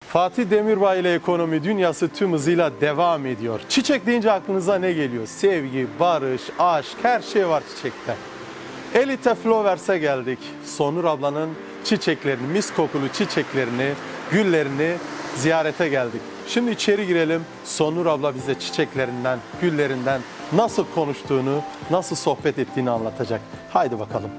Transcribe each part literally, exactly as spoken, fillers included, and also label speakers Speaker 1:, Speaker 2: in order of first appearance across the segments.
Speaker 1: Fatih Demirbay ile ekonomi dünyası tüm hızıyla devam ediyor. Çiçek deyince aklınıza ne geliyor? Sevgi, barış, aşk, her şey var çiçekte. Elite Flowers'e geldik. Sonur ablanın çiçeklerini, mis kokulu çiçeklerini, güllerini ziyarete geldik. Şimdi içeri girelim. Sonur abla bize çiçeklerinden, güllerinden nasıl konuştuğunu, nasıl sohbet ettiğini anlatacak. Haydi bakalım.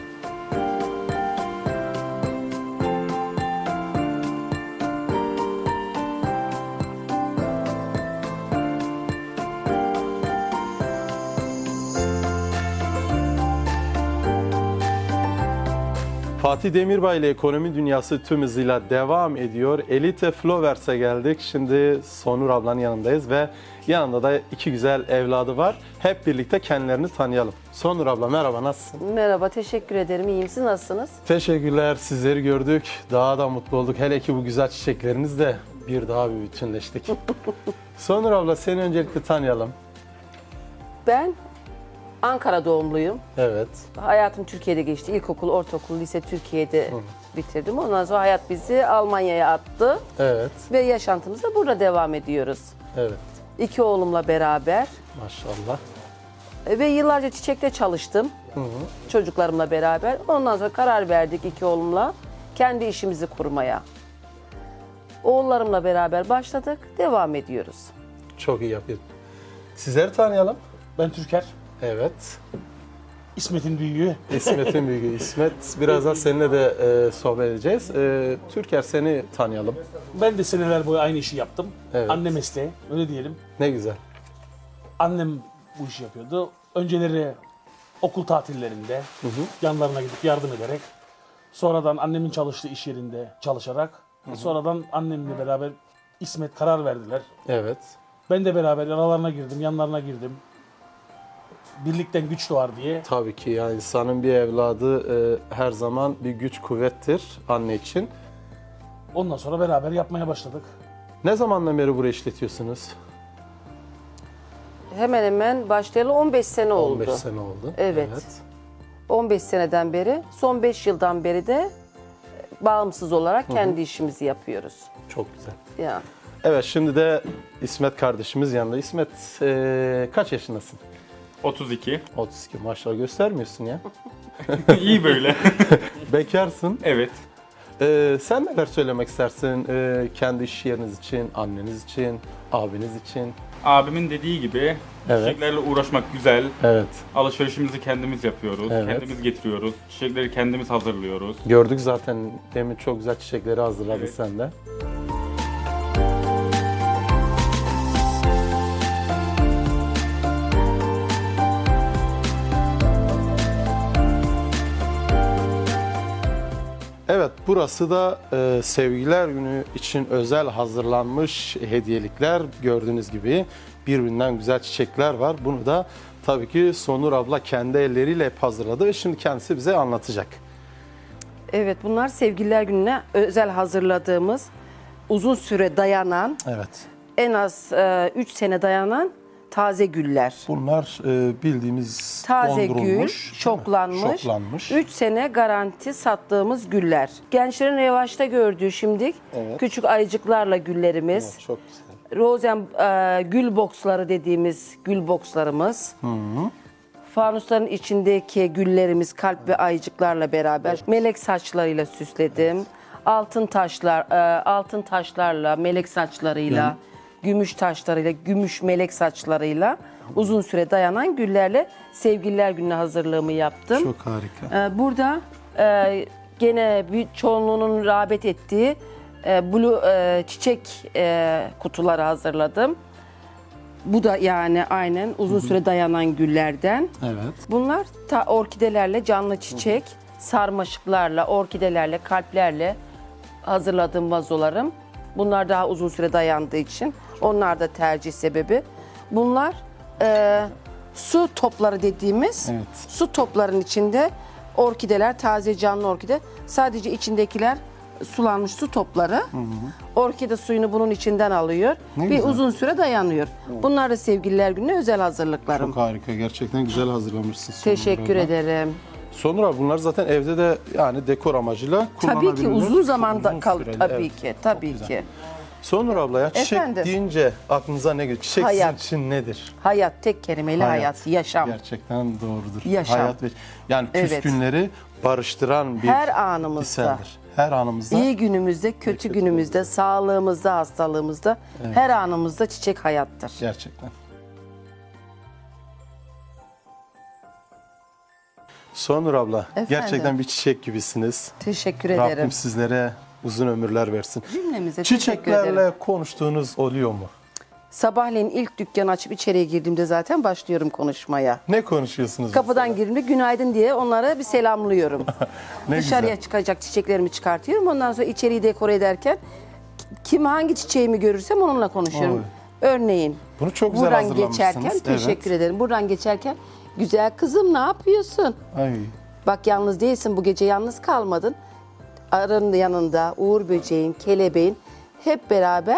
Speaker 1: Fatih Demirbay ile ekonomi dünyası tüm hızıyla devam ediyor. Elite Flowers'e geldik. Şimdi Sonur ablanın yanındayız ve yanında da iki güzel evladı var. Hep birlikte kendilerini tanıyalım. Sonur abla merhaba, nasılsın?
Speaker 2: Merhaba, teşekkür ederim. İyiyim. Siz nasılsınız?
Speaker 1: Teşekkürler, sizleri gördük. Daha da mutlu olduk. Hele ki bu güzel çiçeklerinizle bir daha bir bütünleştik. Sonur abla seni öncelikle tanıyalım.
Speaker 2: Ben Ankara doğumluyum.
Speaker 1: Evet.
Speaker 2: Hayatım Türkiye'de geçti. İlkokul, ortaokul, lise Türkiye'de bitirdim. Ondan sonra hayat bizi Almanya'ya attı.
Speaker 1: Evet.
Speaker 2: Ve yaşantımıza burada devam ediyoruz.
Speaker 1: Evet.
Speaker 2: İki oğlumla beraber.
Speaker 1: Maşallah.
Speaker 2: Ve yıllarca çiçekte çalıştım.
Speaker 1: Hı hı.
Speaker 2: Çocuklarımla beraber. Ondan sonra karar verdik iki oğlumla kendi işimizi kurmaya. Oğullarımla beraber başladık. Devam ediyoruz.
Speaker 1: Çok iyi yapıyorsun. Sizleri tanıyalım.
Speaker 3: Ben Türker,
Speaker 1: Evet.
Speaker 3: İsmet'in büyüğü.
Speaker 1: İsmet'in büyüğü İsmet. Birazdan seninle de e, sohbet edeceğiz. E, Türker seni tanıyalım.
Speaker 3: Ben de seneler boyu aynı işi yaptım.
Speaker 1: Evet.
Speaker 3: Anne mesleği, öyle diyelim.
Speaker 1: Ne güzel.
Speaker 3: Annem bu işi yapıyordu. Önceleri okul tatillerinde yanlarına gidip yardım ederek, sonradan annemin çalıştığı iş yerinde çalışarak, sonradan annemle beraber İsmet karar verdiler.
Speaker 1: Evet.
Speaker 3: Ben de beraber aralarına girdim, yanlarına girdim. Birlikten güç doğar diye.
Speaker 1: Tabii ki yani insanın bir evladı e, her zaman bir güç kuvvettir anne için.
Speaker 3: Ondan sonra beraber yapmaya başladık.
Speaker 1: Ne zamandan beri burayı işletiyorsunuz?
Speaker 2: Hemen hemen başlayalı on beş sene oldu.
Speaker 1: on beş sene oldu.
Speaker 2: Evet. on beş seneden beri, son beş yıldan beri de bağımsız olarak kendi işimizi yapıyoruz.
Speaker 1: Çok güzel.
Speaker 2: Ya.
Speaker 1: Evet, şimdi de İsmet kardeşimiz yanında. İsmet e, kaç yaşındasın?
Speaker 4: otuz iki.
Speaker 1: otuz iki, maşallah göstermiyorsun ya.
Speaker 4: İyi böyle.
Speaker 1: Bekarsın.
Speaker 4: Evet.
Speaker 1: Ee, sen neler söylemek istersin ee, kendi iş yeriniz için, anneniz için, abiniz için?
Speaker 4: Abimin dediği gibi
Speaker 1: Evet.
Speaker 4: çiçeklerle uğraşmak güzel.
Speaker 1: Evet,
Speaker 4: Alışverişimizi kendimiz yapıyoruz.
Speaker 1: Evet.
Speaker 4: Kendimiz getiriyoruz. Çiçekleri kendimiz hazırlıyoruz.
Speaker 1: gördük zaten demin çok güzel çiçekleri hazırladın
Speaker 4: Evet.
Speaker 1: sen de. Evet, burası da e, Sevgililer Günü için özel hazırlanmış hediyelikler. Gördüğünüz gibi birbirinden güzel çiçekler var. Bunu da tabii ki Sonur abla kendi elleriyle hep hazırladı ve şimdi kendisi bize anlatacak.
Speaker 2: Evet, bunlar Sevgililer Günü'ne özel hazırladığımız, uzun süre dayanan,
Speaker 1: Evet.
Speaker 2: en az üç sene dayanan taze güller.
Speaker 1: Bunlar e, bildiğimiz
Speaker 2: Taze gül,
Speaker 1: dondurulmuş, değil mi?
Speaker 2: şoklanmış,
Speaker 1: şoklanmış.
Speaker 2: üç sene garanti sattığımız güller. Gençlerin revaçta gördüğü şimdi
Speaker 1: Evet.
Speaker 2: küçük ayıcıklarla güllerimiz.
Speaker 1: Evet, çok güzel.
Speaker 2: Rozen e, gül boksları dediğimiz gül bokslarımız. Fanusların içindeki güllerimiz kalp ve ayıcıklarla beraber melek saçlarıyla süsledim. Altın taşlar, e, altın taşlarla, melek saçlarıyla, gümüş taşlarıyla, gümüş melek saçlarıyla uzun süre dayanan güllerle Sevgililer Günü'ne hazırlığımı yaptım.
Speaker 1: Çok harika.
Speaker 2: Ee, Burada e, gene bir çoğunluğunun rağbet ettiği e, blue e, çiçek e, kutuları hazırladım. Bu da yani aynen uzun süre dayanan güllerden.
Speaker 1: Evet.
Speaker 2: Bunlar ta orkidelerle, canlı çiçek, sarmaşıklarla, orkidelerle, kalplerle hazırladığım vazolarım. Bunlar daha uzun süre dayandığı için onlar da tercih sebebi. Bunlar e, su topları dediğimiz
Speaker 1: Evet.
Speaker 2: su topların içinde orkideler, taze canlı orkide. Sadece içindekiler sulanmış su topları. Orkide suyunu bunun içinden alıyor.
Speaker 1: Ne
Speaker 2: Bir
Speaker 1: güzel.
Speaker 2: uzun süre dayanıyor. Bunlar da Sevgililer Günü'ne özel hazırlıklarım.
Speaker 1: Çok harika. Gerçekten güzel hazırlamışsın. Sonur
Speaker 2: Teşekkür
Speaker 1: abla.
Speaker 2: ederim.
Speaker 1: Sonur abi bunlar zaten evde de yani dekor amacıyla
Speaker 2: Tabii ki
Speaker 1: kullanabilirler.
Speaker 2: uzun zamanda
Speaker 1: Uzun
Speaker 2: kal
Speaker 1: süreli,
Speaker 2: tabii
Speaker 1: evet.
Speaker 2: ki, tabii
Speaker 1: güzel.
Speaker 2: ki.
Speaker 1: Sonur abla ya çiçek
Speaker 2: Efendim?
Speaker 1: deyince aklınıza ne geliyor? Çiçek
Speaker 2: Hayat.
Speaker 1: sizin için nedir?
Speaker 2: Hayat tek kelimeyle hayat, yaşam.
Speaker 1: Gerçekten doğrudur.
Speaker 2: Yaşam.
Speaker 1: Hayat ve yani
Speaker 2: Evet.
Speaker 1: küskünleri barıştıran bir
Speaker 2: Her anımızda.
Speaker 1: eserdir. Her anımızda.
Speaker 2: İyi günümüzde, kötü günümüzde, sağlığımızda, hastalığımızda, her anımızda çiçek hayattır.
Speaker 1: Gerçekten. Sonur abla
Speaker 2: Efendim?
Speaker 1: gerçekten bir çiçek gibisiniz.
Speaker 2: Teşekkür
Speaker 1: Rabbim
Speaker 2: ederim.
Speaker 1: sizlere uzun ömürler versin.
Speaker 2: Cümlemize teşekkür ederim.
Speaker 1: Çiçeklerle konuştuğunuz oluyor mu?
Speaker 2: Sabahleyin ilk dükkanı açıp içeriye girdiğimde zaten başlıyorum konuşmaya.
Speaker 1: Ne konuşuyorsunuz?
Speaker 2: Kapıdan
Speaker 1: mesela?
Speaker 2: girdiğimde günaydın diye onlara bir selamlıyorum.
Speaker 1: Ne
Speaker 2: Dışarıya
Speaker 1: güzel.
Speaker 2: çıkacak çiçeklerimi çıkartıyorum. Ondan sonra içeriği dekore ederken kim hangi çiçeğimi görürsem onunla konuşuyorum.
Speaker 1: Oy.
Speaker 2: Örneğin
Speaker 1: Bunu çok güzel
Speaker 2: buradan
Speaker 1: hazırlamışsınız.
Speaker 2: geçerken
Speaker 1: Evet.
Speaker 2: teşekkür ederim. Buradan geçerken güzel kızım ne yapıyorsun?
Speaker 1: Ay.
Speaker 2: Bak yalnız değilsin, bu gece yalnız kalmadın. Arının yanında Uğur böceğin, kelebeğin hep beraber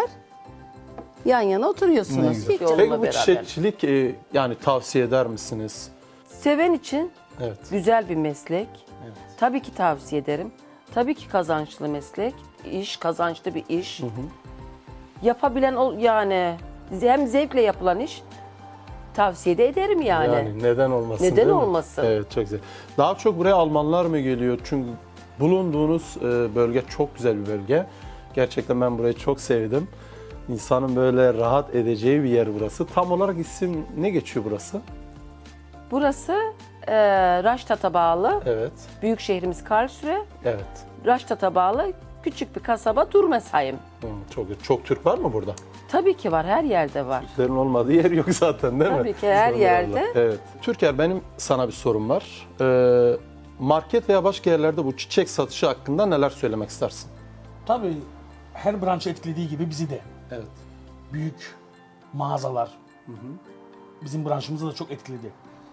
Speaker 2: yan yana
Speaker 1: Ne
Speaker 2: oturuyorsunuz.
Speaker 1: güzel.
Speaker 2: Hiç onunla
Speaker 1: Peki bu
Speaker 2: beraber.
Speaker 1: çiçekçilik e, yani tavsiye eder misiniz?
Speaker 2: Seven için
Speaker 1: Evet.
Speaker 2: güzel bir meslek. Tabii ki tavsiye ederim. Tabii ki kazançlı meslek. İş, kazançlı bir iş. Yapabilen ol yani hem zevkle yapılan iş tavsiye de ederim yani.
Speaker 1: Yani neden olmasın?
Speaker 2: Neden
Speaker 1: değil mi?
Speaker 2: olmasın?
Speaker 1: Evet çok güzel. Daha çok buraya Almanlar mı geliyor? Çünkü bulunduğunuz e, bölge çok güzel bir bölge. Gerçekten ben burayı çok sevdim. İnsanın böyle rahat edeceği bir yer burası. Tam olarak isim ne geçiyor burası?
Speaker 2: Burası e, Raştat'a bağlı.
Speaker 1: Evet.
Speaker 2: Büyük şehrimiz Karlsruhe.
Speaker 1: Evet.
Speaker 2: Raştat'a bağlı küçük bir kasaba Durmesheim.
Speaker 1: Hı, çok güzel. Çok Türk var mı burada?
Speaker 2: Tabii ki var, her yerde var.
Speaker 1: Türklerin olmadığı yer yok zaten değil mi?
Speaker 2: Tabii ki, her
Speaker 1: Sonur
Speaker 2: yerde.
Speaker 1: abla. Evet. Türker benim sana bir sorum var. Ee, market veya başka yerlerde bu çiçek satışı hakkında neler söylemek istersin?
Speaker 3: Tabii her branşı etkilediği gibi bizi de.
Speaker 1: Evet.
Speaker 3: Büyük mağazalar bizim branşımızı da çok etkiledi.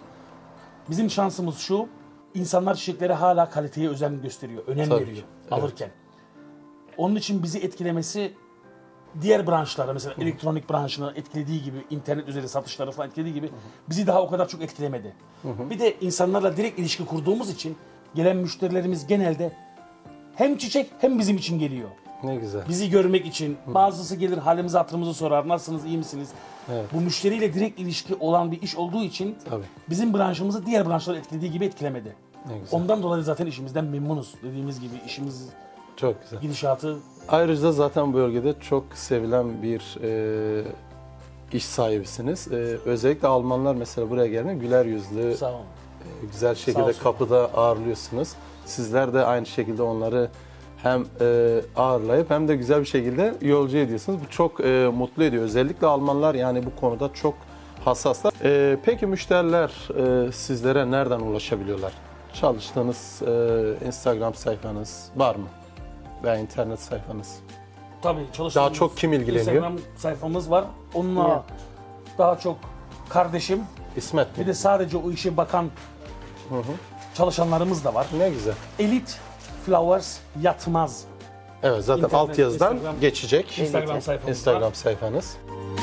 Speaker 3: Bizim şansımız şu, insanlar çiçeklere hala kaliteye özen gösteriyor, önem
Speaker 1: Tabii
Speaker 3: veriyor
Speaker 1: ki, evet.
Speaker 3: alırken. Onun için bizi etkilemesi diğer branşlara, mesela elektronik branşını etkilediği gibi, internet üzeri satışları falan etkilediği gibi bizi daha o kadar çok etkilemedi. Bir de insanlarla direkt ilişki kurduğumuz için gelen müşterilerimiz genelde hem çiçek hem bizim için geliyor.
Speaker 1: Ne güzel.
Speaker 3: Bizi görmek için. Bazısı gelir halimizi hatırımızı sorar. Nasılsınız, iyi misiniz?
Speaker 1: Evet.
Speaker 3: Bu müşteriyle direkt ilişki olan bir iş olduğu için
Speaker 1: Tabii.
Speaker 3: bizim branşımızı diğer branşlar etkilediği gibi etkilemedi.
Speaker 1: Ne güzel.
Speaker 3: Ondan dolayı zaten işimizden memnunuz. Dediğimiz gibi işimiz
Speaker 1: Çok güzel.
Speaker 2: Ee,
Speaker 3: gidişatı
Speaker 1: Ayrıca zaten bu bölgede çok sevilen bir e, iş sahibisiniz. E, özellikle Almanlar mesela buraya geldiğinde güler yüzlü,
Speaker 3: sağ olun.
Speaker 1: e, güzel
Speaker 3: Sağ
Speaker 1: şekilde
Speaker 3: olsun.
Speaker 1: kapıda ağırlıyorsunuz. Sizler de aynı şekilde onları hem e, ağırlayıp hem de güzel bir şekilde yolcu ediyorsunuz. Bu çok e, mutlu ediyor. Özellikle Almanlar yani bu konuda çok hassaslar. E, peki müşteriler e, sizlere nereden ulaşabiliyorlar? Çalıştığınız e, Instagram sayfanız var mı? Veya internet sayfanız?
Speaker 3: Tabii çalıştığımız
Speaker 1: Daha çok kim ilgileniyor?
Speaker 3: Instagram sayfamız var. Onunla
Speaker 2: Ya.
Speaker 3: daha çok kardeşim,
Speaker 1: İsmet
Speaker 3: bir
Speaker 1: mi?
Speaker 3: de sadece o işe bakan çalışanlarımız da var.
Speaker 1: Ne güzel.
Speaker 3: Elite Flowers Yatmaz
Speaker 1: Evet zaten
Speaker 3: İnternet,
Speaker 1: alt yazıdan
Speaker 3: Instagram-
Speaker 1: geçecek.
Speaker 3: Instagram sayfamız var.
Speaker 1: Instagram sayfanız.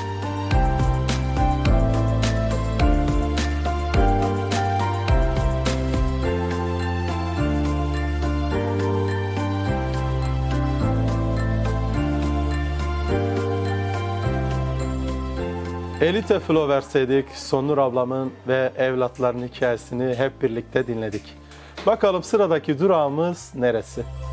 Speaker 1: Elite Flowers'eydik. Sonur ablamın ve evlatlarının hikayesini hep birlikte dinledik. Bakalım sıradaki durağımız neresi?